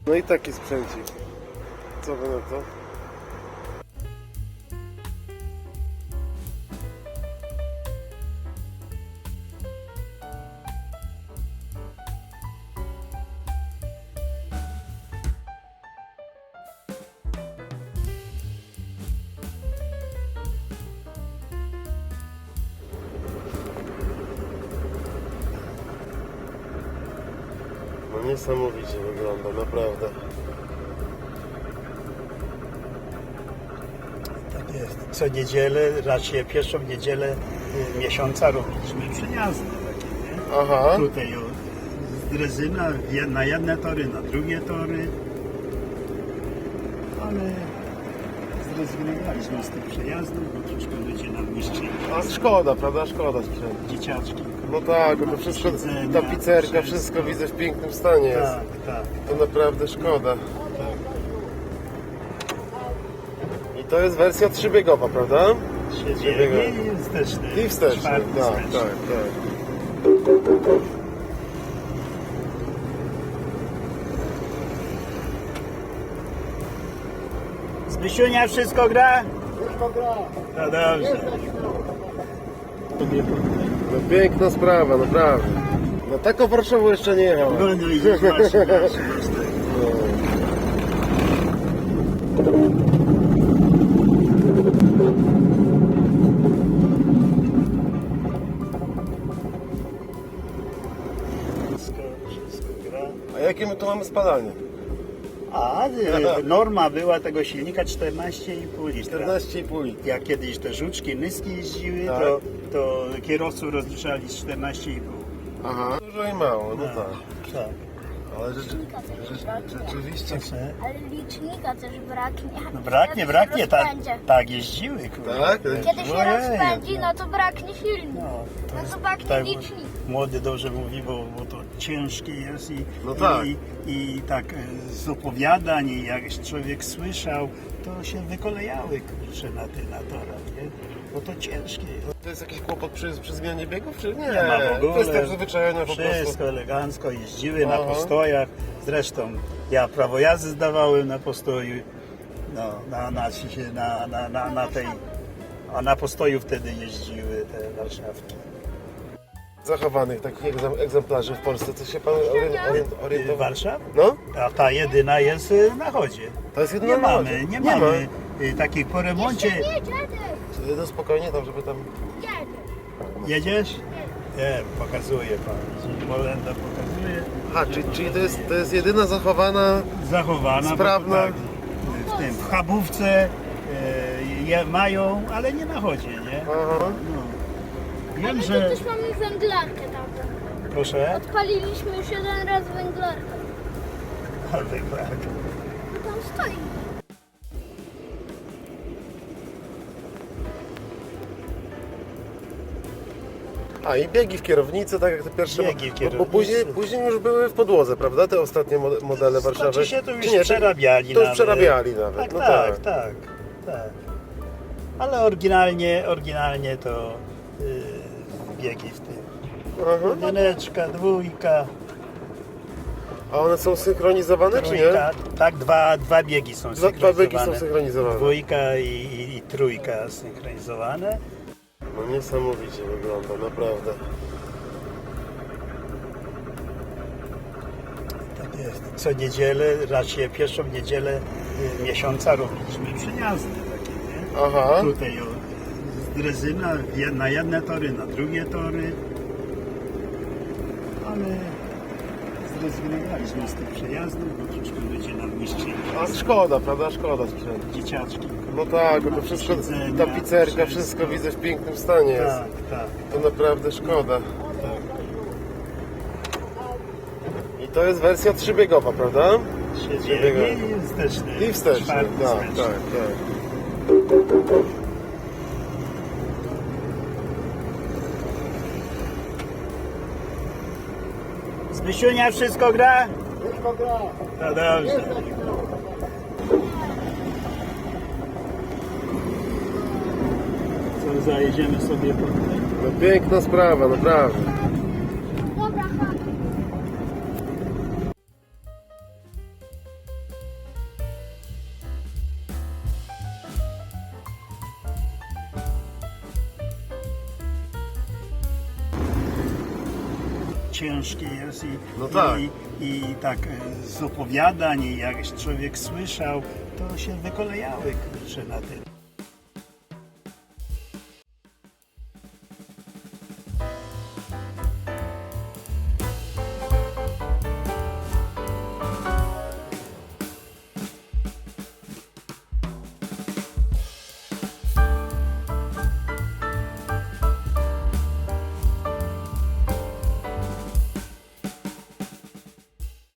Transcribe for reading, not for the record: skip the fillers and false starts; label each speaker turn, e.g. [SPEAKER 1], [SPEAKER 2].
[SPEAKER 1] No i taki sprzęcik. Co wy na to? No niesamowicie wygląda, naprawdę.
[SPEAKER 2] Tak jest. Co niedzielę, raczej pierwszą niedzielę miesiąca robiliśmy przejazdy takie, nie?
[SPEAKER 1] Aha.
[SPEAKER 2] Tutaj z Drezyna na jedne tory, na drugie tory. Ale zrezygnowaliśmy z tych przejazdów, bo troszkę ludzie nam niszczyli.
[SPEAKER 1] A szkoda, prawda? Szkoda sprzętu.
[SPEAKER 2] Dzieciaczki.
[SPEAKER 1] No tak, bo to wszystko, tapicerka, wszystko widzę w pięknym stanie jest.
[SPEAKER 2] Tak, tak.
[SPEAKER 1] To naprawdę szkoda. I to jest wersja trzybiegowa, prawda?
[SPEAKER 2] Siedzimy i wsteczny.
[SPEAKER 1] I wsteczny,
[SPEAKER 2] czwarty
[SPEAKER 1] tak,
[SPEAKER 2] wsteczny.
[SPEAKER 1] tak, tak.
[SPEAKER 2] Zbysiunia, wszystko gra?
[SPEAKER 1] Wszystko gra.
[SPEAKER 2] No dobrze.
[SPEAKER 1] No piękna sprawa, naprawdę. No taką Warszawą jeszcze nie jechałem.
[SPEAKER 2] No i właśnie. Wszystko gra.
[SPEAKER 1] A jakie my tu mamy spalanie?
[SPEAKER 2] A norma była tego silnika 14,5 litra.
[SPEAKER 1] 14,5 litra.
[SPEAKER 2] Jak kiedyś te żuczki, nyski jeździły,
[SPEAKER 1] Tak.
[SPEAKER 2] to kierowców rozliczali z 14,5.
[SPEAKER 1] Aha. Dużo i mało, no tak.
[SPEAKER 2] Tak.
[SPEAKER 1] Ale rzeczywiście.
[SPEAKER 3] Ale licznika też braknie.
[SPEAKER 2] No braknie, tak jeździły, kurde.
[SPEAKER 1] Tak?
[SPEAKER 3] Kiedy się
[SPEAKER 2] Ojej,
[SPEAKER 3] rozpędzi, no to braknie silnik.
[SPEAKER 2] No,
[SPEAKER 3] No to braknie
[SPEAKER 2] tak,
[SPEAKER 3] licznik.
[SPEAKER 2] młody dobrze mówi, bo to ciężkie jest
[SPEAKER 1] No tak.
[SPEAKER 2] i tak z opowiadań, i jak człowiek słyszał, to się wykolejały, kurczę, na torach, nie? Bo to ciężkie jest.
[SPEAKER 1] To jest jakiś kłopot przy zmianie biegów, czy nie?
[SPEAKER 2] Nie ma w ogóle.
[SPEAKER 1] Kwestia przyzwyczajenia po prostu.
[SPEAKER 2] Wszystko elegancko, jeździły na
[SPEAKER 1] Aha.
[SPEAKER 2] postojach. Zresztą ja prawo jazdy zdawałem na postoju. No, na tej. A na postoju wtedy jeździły te Warszawki.
[SPEAKER 1] Zachowanych takich egzemplarzy w Polsce, co się pan orientował?
[SPEAKER 2] Warszaw?
[SPEAKER 1] No?
[SPEAKER 2] A ta jedyna jest na chodzie.
[SPEAKER 1] To jest jedna
[SPEAKER 2] Nie
[SPEAKER 1] na
[SPEAKER 2] mamy,
[SPEAKER 1] chodzie.
[SPEAKER 2] nie mamy takich po remoncie.
[SPEAKER 3] Nie, dziadek.
[SPEAKER 1] No spokojnie tam, żeby tam...
[SPEAKER 3] Dziadek.
[SPEAKER 2] Jedziesz? Nie, pokazuje pan. Molenda pokazuje.
[SPEAKER 1] Aha, czyli to jest jedyna zachowana...
[SPEAKER 2] Zachowana. bo
[SPEAKER 1] Sprawna.
[SPEAKER 2] Tak, w Chabówce je mają, ale nie na chodzie, nie?
[SPEAKER 1] Aha.
[SPEAKER 2] No.
[SPEAKER 3] A
[SPEAKER 2] Wiem,
[SPEAKER 3] my tu
[SPEAKER 2] że...
[SPEAKER 3] też mamy węglarkę tam.
[SPEAKER 2] Proszę?
[SPEAKER 3] Odpaliliśmy już jeden raz węglarkę.
[SPEAKER 2] Ale tak.
[SPEAKER 3] No tam stoi.
[SPEAKER 1] A i biegi w kierownicy, tak jak te pierwsze...
[SPEAKER 2] Biegi w
[SPEAKER 1] Bo
[SPEAKER 2] kierownicy.
[SPEAKER 1] później już były w podłodze, prawda? Te ostatnie modele Warszawy.
[SPEAKER 2] Znaczy się to już
[SPEAKER 1] Czy nie?
[SPEAKER 2] przerabiali
[SPEAKER 1] To już
[SPEAKER 2] nawet.
[SPEAKER 1] przerabiali nawet.
[SPEAKER 2] Tak,
[SPEAKER 1] No
[SPEAKER 2] tak. Ale oryginalnie to biegi w tym.
[SPEAKER 1] Aha.
[SPEAKER 2] Jedyneczka, dwójka,
[SPEAKER 1] A one są synchronizowane, czy nie?
[SPEAKER 2] trójka. Tak, dwa biegi są
[SPEAKER 1] Dwa biegi
[SPEAKER 2] synchronizowane.
[SPEAKER 1] są synchronizowane.
[SPEAKER 2] Dwójka i trójka synchronizowane.
[SPEAKER 1] No niesamowicie wygląda, naprawdę.
[SPEAKER 2] Tak jest. Co niedzielę, raczej pierwszą niedzielę miesiąca robiliśmy przejazdy takie, nie?
[SPEAKER 1] Aha.
[SPEAKER 2] Tutaj z Drezyna na jedne tory, na drugie tory. Ale zrezygnowaliśmy z tych przejazdów, bo troszkę ludzie nam niszczyli.
[SPEAKER 1] A szkoda, prawda? Szkoda sprzętu.
[SPEAKER 2] Dzieciaczki.
[SPEAKER 1] No tak, bo to wszystko,
[SPEAKER 2] Siedzenia,
[SPEAKER 1] tapicerka, wszystko widzę w pięknym stanie jest.
[SPEAKER 2] Tak, tak.
[SPEAKER 1] To naprawdę szkoda. I to jest wersja trzybiegowa, prawda?
[SPEAKER 2] Siedzimy i wsteczny.
[SPEAKER 1] I wsteczny,
[SPEAKER 2] czwarty
[SPEAKER 1] tak,
[SPEAKER 2] wsteczny.
[SPEAKER 1] tak.
[SPEAKER 2] Zbysiunia, wszystko gra?
[SPEAKER 1] Wszystko gra.
[SPEAKER 2] No dobrze. Co, zajedziemy sobie po tutaj?
[SPEAKER 1] No piękna sprawa, naprawdę.
[SPEAKER 2] ciężkie jest
[SPEAKER 1] No tak.
[SPEAKER 2] i tak z opowiadań, i jak człowiek słyszał, to się wykolejały kurczę na tym.